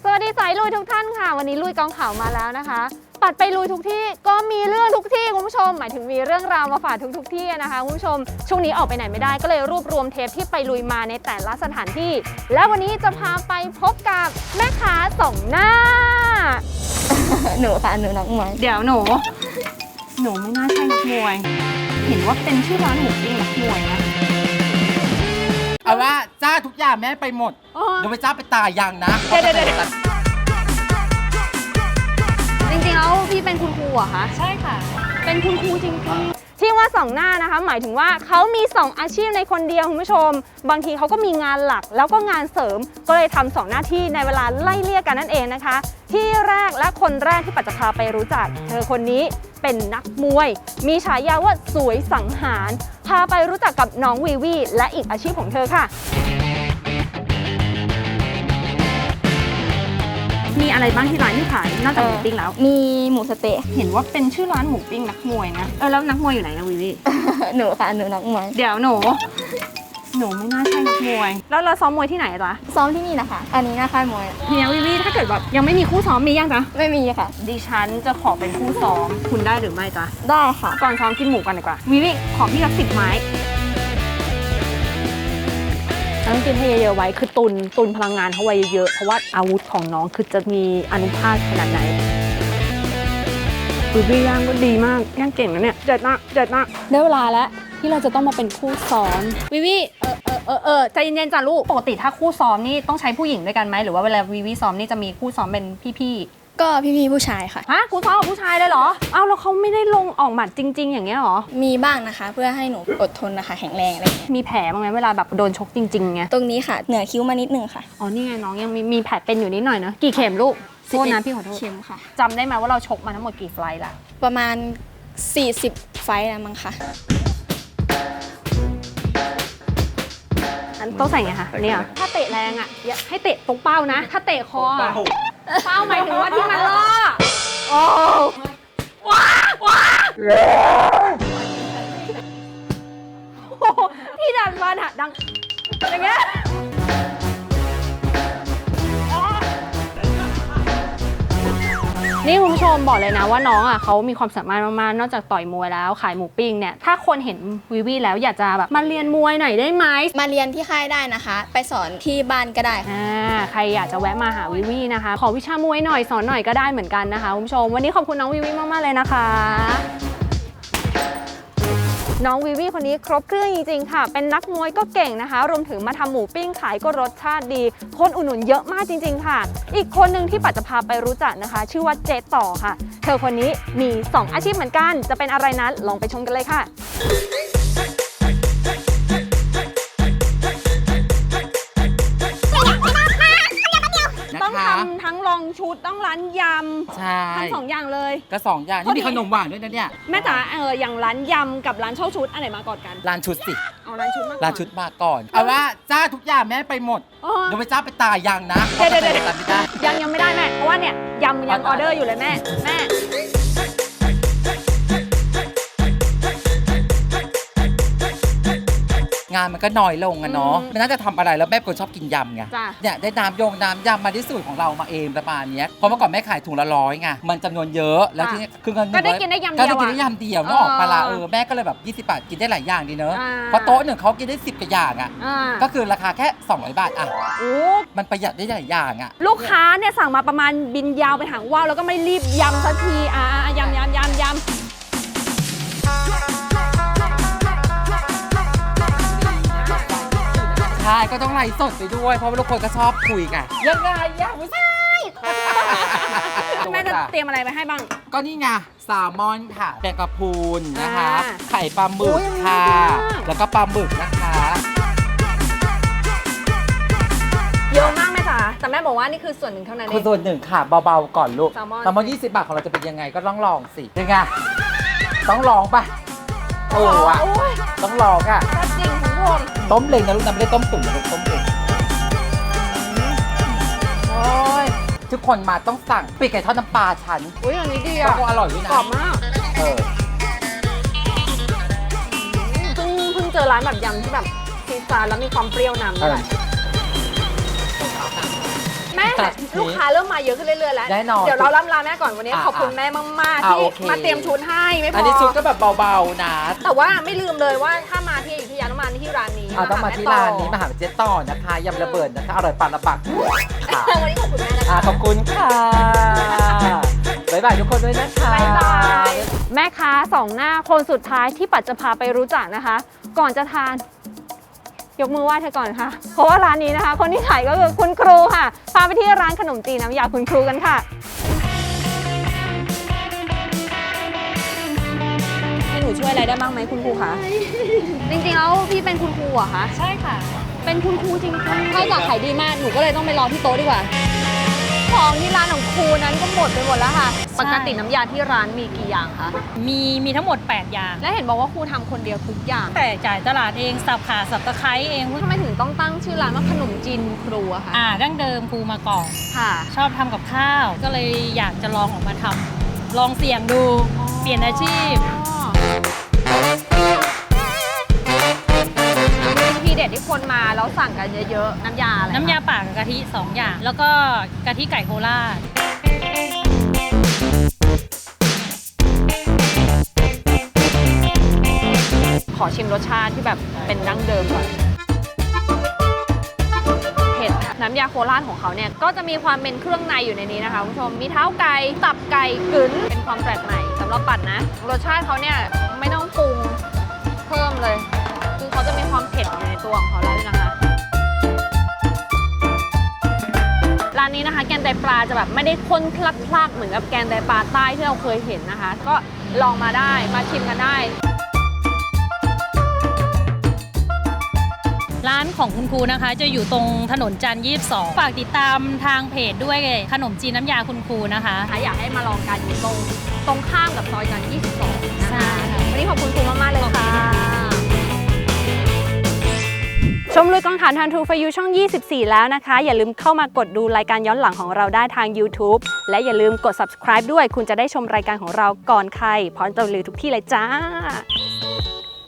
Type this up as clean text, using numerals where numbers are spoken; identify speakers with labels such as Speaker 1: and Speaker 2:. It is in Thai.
Speaker 1: สวัสดีสายลุยทุกท่านค่ะวันนี้ลุยกองข่าวมาแล้วนะคะปัดไปลุยทุกที่ก็มีเรื่องทุกที่คุณผู้ชมหมายถึงมีเรื่องราวมาฝากทุกที่นะคะคุณผู้ชมช่วงนี้ออกไปไหนไม่ได้ก็เลยรวบรวมเทปที่ไปลุยมาในแต่ละสถานที่และวันนี้จะพาไปพบกับแม่ค้าสองหน้า
Speaker 2: หนูค่ะหนูนักมวย
Speaker 1: เดี๋ยวหนูไม่น่าใช่นักมวยเห็นว่าเป็นชื่อร้านหมูปิ้งนักมวยนะ
Speaker 3: เอาว่าจ้าทุกอย่างแม่ไปหมดเดี๋ยวไปจ้าไปตายยังนะ
Speaker 1: เดี๋ยวจริงๆแล้วพี่เป็นคุณครูเหรอคะใช่ค่ะเป็นคุณครูจริงๆที่ว่าสองหน้านะคะหมายถึงว่าเขามี2อาชีพในคนเดียวคุณผู้ชมบางทีเขาก็มีงานหลักแล้วก็งานเสริมก็เลยทำ2หน้าที่ในเวลาไล่เลี่ยกันนั่นเองนะคะที่แรกและคนแรกที่ปัจจะพาไปรู้จักเธอคนนี้เป็นนักมวยมีฉายาว่าสวยสังหารพาไปรู้จักกับน้องวีวีและอีกอาชีพของเธอค่ะมีอะไรบ้างที่ร้านที่ขายนอกจากหมูปิ้งแล้ว
Speaker 2: มีหมูสเต๊ะ
Speaker 1: เห็นว่าเป็นชื่อร้านหมูปิ้งนักมวยนะแล้วนักมวยอยู่ไหนนะวีวี
Speaker 2: หนูค่ะหนูนักมวย
Speaker 1: เดี๋ยวหนูไม่น่าใช่นักมวยแล้วเราซ้อมมวยที่ไหนจ๊ะ
Speaker 2: ซ้อมที่นี่นะคะอันนี้น่าค่ายมวย
Speaker 1: เฮียวีวีถ้าเกิดแบบยังไม่มีคู่ซ้อมมียังจ๊ะ
Speaker 2: ไม่มีค่ะ
Speaker 1: ดิฉันจะขอเป็นคู่ซ้อมคุณได้หรือไม่จ๊ะ
Speaker 2: ได้ค่ะ
Speaker 1: ก่อนซ้อมกินหมูกันดีกว่าวีวีขอพี่ละ10 ไม้ต้องกินให้เยอะๆไว้คือตุนพลังงานเขาไว้เยอะเพราะว่าอาวุธของน้องคือจะมีอานุภาพขนาดไหนวีวีย่างก็ดีมากย่างเก่งนะเนี่ยเด็ดมากได้เวลาแล้วที่เราจะต้องมาเป็นคู่ซ้อมวีวีใจเย็นๆจ้ะลูกปกติถ้าคู่ซ้อมนี่ต้องใช้ผู้หญิงด้วยกันไหมหรือว่าเวลาวีวีซ้อมนี่จะมีคู่ซ้อมเป็นพี่
Speaker 2: ก็พี่ผู้ชายค่ะ
Speaker 1: ฮะคู่ซ้อมกับผู้ชายเลยเหรออ้าวแล้วเขาไม่ได้ลงออกหมัดจริงๆอย่างเงี้ยเหรอ
Speaker 2: มีบ้างนะคะเพื่อให้หนูอดทนนะคะแข็งแรงอะไร
Speaker 1: มีแผลบ้างไหมเวลาแบบโดนชกจริงๆไง
Speaker 2: ตรงนี้ค่ะเหนือคิ้วมานิดนึงค่ะ
Speaker 1: อ๋อนี่ไงน้องยังมีแผลเป็นอยู่นิดหน่อยนะกี่เข็มลูกโทษนะพี่ขอโทษ
Speaker 2: เข็มค่ะ
Speaker 1: จำได้ไหมว่าเราชกมาทั้งหมดกี่ไฟล์ละ
Speaker 2: ประมาณ40 ไฟล์แล้วมั้งค่ะ
Speaker 1: ต้องใส่ไงคะเนี่ยถ้าเตะแรงอ่ะอย่าให้เตะตรงเป้านะถ้าเตะคอเป้าหมายถึงว่าที่มันล่อโอ้ว้าพี่ดันมันอะดังอย่างเงี้ยนี่คุณผู้ชมบอกเลยนะว่าน้องอ่ะเขามีความสามารถมากๆนอกจากต่อยมวยแล้วขายหมูปิ้งเนี่ยถ้าคนเห็นวีวีแล้วอยากจะแบบมาเรียนมวยหน่อยได้ไหม
Speaker 2: มาเรียนที่ค่ายได้นะคะไปสอนที่บ้านก็ได้
Speaker 1: ใครอยากจะแวะมาหาวีวีนะคะขอวิชามวยหน่อยสอนหน่อยก็ได้เหมือนกันนะคะคุณผู้ชมวันนี้ขอบคุณน้องวีวีมากๆเลยนะคะน้องวีวีคนนี้ครบเครื่องจริงๆค่ะเป็นนักมวยก็เก่งนะคะรวมถึงมาทำหมูปิ้งขายก็รสชาติดีคนอุดหนุนเยอะมากจริงๆค่ะอีกคนหนึ่งที่ปัจจะพาไปรู้จักนะคะชื่อว่าเจ๊ต่อค่ะเธอคนนี้มี2อาชีพเหมือนกันจะเป็นอะไรนั้นลองไปชมกันเลยค่ะต้องทำทั้งลองชุดต้องร้านยำ
Speaker 3: ใช่
Speaker 1: ทั้ง2 อย่างเลย
Speaker 3: ก็2 อย่างนี่มีขนมหวานด้วยนะเนี่ย
Speaker 1: แม่จ๋าอย่างร้านยำกับร้านเช่าชุดอันไหนมาก่อนกัน
Speaker 3: ร้านชุดสิ
Speaker 1: เอาร้านชุดมาก่อน
Speaker 3: ร้านชุดมาก่อนเอาว่าจ้าทุกอย่างแม่ไปหมดเดี๋ยวไปจ้าไปตายยังนะ
Speaker 1: เดี๋ยวยังไม่ได้แม่เพราะว่าเนี่ยยังออเดอร์อยู่เลยแม่
Speaker 3: งานมันก็น้อยลงอะเนาะมันน่าจะทำอะไรแล้วแม่คนชอบกินยำไงเนี่ยได้น้ำยำมาที่สูตรของเรามาเองประมาณนี้เพราะเมื่อก่อนแม่ขายถุงละ100ไงมันจำนวนเยอะแล้วทีนี้คือเงิน
Speaker 1: ก็ได้กินได้ยำเดียว
Speaker 3: นึกออกปลาแม่ก็เลยแบบ20 บาทกินได้หลายอย่างดีเนอะเพราะโต๊ะหนึ่งเขากินได้10 กว่าอย่างอะก็คือราคาแค่200 บาทอะมันประหยัดได้หลายอย่างอะ
Speaker 1: ลูกค้าเนี่ยสั่งมาประมาณบินยาวไปหางว่าวแล้วก็ไม่รีบยำสักทียำ
Speaker 3: ใช่ก็ต้องไลฟ์สดไปด้วยเพราะว่าทุกคนก็ชอบคุยกันยังไงไม่ใช่
Speaker 1: แม่จะเตรียมอะไรไปให้บ้าง
Speaker 3: ก็นี่ไงแซลมอนค่ะแมงกะพรุนนะคะไข่ปลาหมึกค่ะแล้วก็ปลาหมึกนะคะ
Speaker 1: เยอะมากแม่จ๋าแต่แม่บอกว่านี่คือส่วนหนึ่งเท่านั้นเอง
Speaker 3: คือส่วนหนึ่งค่ะเบาๆก่อนลูกแซลมอน20 บาทของเราจะเป็นยังไงก็ต้องลองสิยังไงต้องลองป่ะโอ้อะต้องลองอ่ะ
Speaker 1: จริงคุณผู้ชม
Speaker 3: ต้มเล้งนะลูกนะไม่ได้ต้มตุ๋นนะลูกต้มเล้งทุกคนมาต้องสั่งปีกไก่ทอดน้ำปลาฉัน
Speaker 1: อย่างนี้ดีอ่ะ
Speaker 3: อร่อยด้วยนะ
Speaker 1: กรอบมากเพิ่งเจอร้านแบบยำที่แบบซีซาแล้วมีความเปรี้ยวนำด้วยแม่ลูกค้าเริ่มมาเยอะขึ้นเรื่อยๆแล้ว
Speaker 3: แน่นอน
Speaker 1: เดี๋ยวเราล่ำลาแม่ก่อนวันนี้ขอบคุณแม่มากๆที่
Speaker 3: โอเค
Speaker 1: มาเตรียมชุดให้ไม่พอ
Speaker 3: อั
Speaker 1: อั
Speaker 3: นนี้ชุดก็แบบเบาๆนะ
Speaker 1: แต่ว่าไม่ลืมเลยว่าถ้ามาที่อยุธยาต้องมาที่ร้านนี้
Speaker 3: ต้องมาที่ร้านนี้มาหาเจ๊ต่อนะคะยำระเบิดนะคะอร่อยปากระปักค่ะ
Speaker 1: วันนี้ขอบคุณแม่นะคะ
Speaker 3: ขอบคุณค่ะบ๊ายบายทุกคนด้วยนะคะ
Speaker 1: บ๊ายบายแม่ค้าสองหน้าคนสุดท้ายที่ปัดจะพาไปรู้จักนะคะ ก่อนจะทานยกมือไหว้เธอก่อนค่ะเพราะว่าร้านนี้นะคะ คนที่ขายก็คือคุณครูค่ะพาไปที่ร้านขนมจีนน้ำยาคุณครูกันค่ะให้หนูช่วยอะไรได้บ้างไหมคุณครูคะจริงๆแล้วพี่เป็นคุณครูเหรอคะใช่ค่ะเป็นคุณครูจริงๆถ้าอยากขายดีมากหนูก็เลยต้องไปรอที่โต๊ะดีกว่าของที่ร้านของครูนั้นก็หมดไปหมดแล้วค่ะปกติน้ำยาที่ร้านมีกี่อย่างคะ
Speaker 4: มีทั้งหมด 8 อย่าง
Speaker 1: และเห็นบอกว่าครูทำคนเดียวทุกอย่าง
Speaker 4: แต่จ่ายตลาดเองสับขาสับตะไคร้เอง
Speaker 1: ทำไมถึงต้องตั้งชื่อร้านว่าขนมจีนครูอะคะ
Speaker 4: ดั้งเดิมครูมาก่อน
Speaker 1: ค่ะ
Speaker 4: ชอบทำกับข้าว ก็เลยอยากจะลองออกมาทำลองเสี่ยงดู เปลี่ยนอาชีพ
Speaker 1: ทีเด็ดที่คนมาแล้วสั่งกันเยอะๆน้ำยาอะไรคะ
Speaker 4: น้ำยาป่ากับกะทิ 2 อย่าง แล้วก็กะทิไก่โคราช
Speaker 1: ขอชิมรสชาติที่แบบเป็นดั้งเดิมก่อนเผ็ดน้ำยาโคราชของเขาเนี่ยก็จะมีความเป็นเครื่องในอยู่ในนี้นะคะคุณผู้ชมมีเท้าไก่ตับไก่กึ๋นเป็นความแปลกใหม่สำหรับปัดนะรสชาติเขาเนี่ยไม่ต้องปรุงเพิ่มเลยคือเขาจะมีความเผ็ดอยู่ในตัวของเขาแล้วด้วยนะคะร้านนี้นะคะแกงไตปลาจะแบบไม่ได้ข้นคลักๆเหมือนกับแกงไตปลาใต้ที่เราเคยเห็นนะคะ ก็ลองมาได้มาชิมกันได้
Speaker 4: ร้านของคุณครูนะคะ จะอยู่ตรงถนนจันทร์22 ฝากติดตามทางเพจด้วยขนมจีนน้ำยาคุณครูนะคะ
Speaker 1: อยากให้มาลองกันอยู่ตรงข้ามกับซอยจันทร์22 นะ
Speaker 4: ใช่
Speaker 1: คะวันนี้ขอบคุณครูมาก ๆ เลยค่ะ ชมลุยกองถ่านทันทูฟยูช่อง 24 แล้วนะคะ อย่าลืมเข้ามากดดูรายการย้อนหลังของเราได้ทาง YouTube และอย่าลืมกด subscribe ด้วย คุณจะได้ชมรายการของเราก่อนใครพร้อมจะลือทุกที่เลยจ้า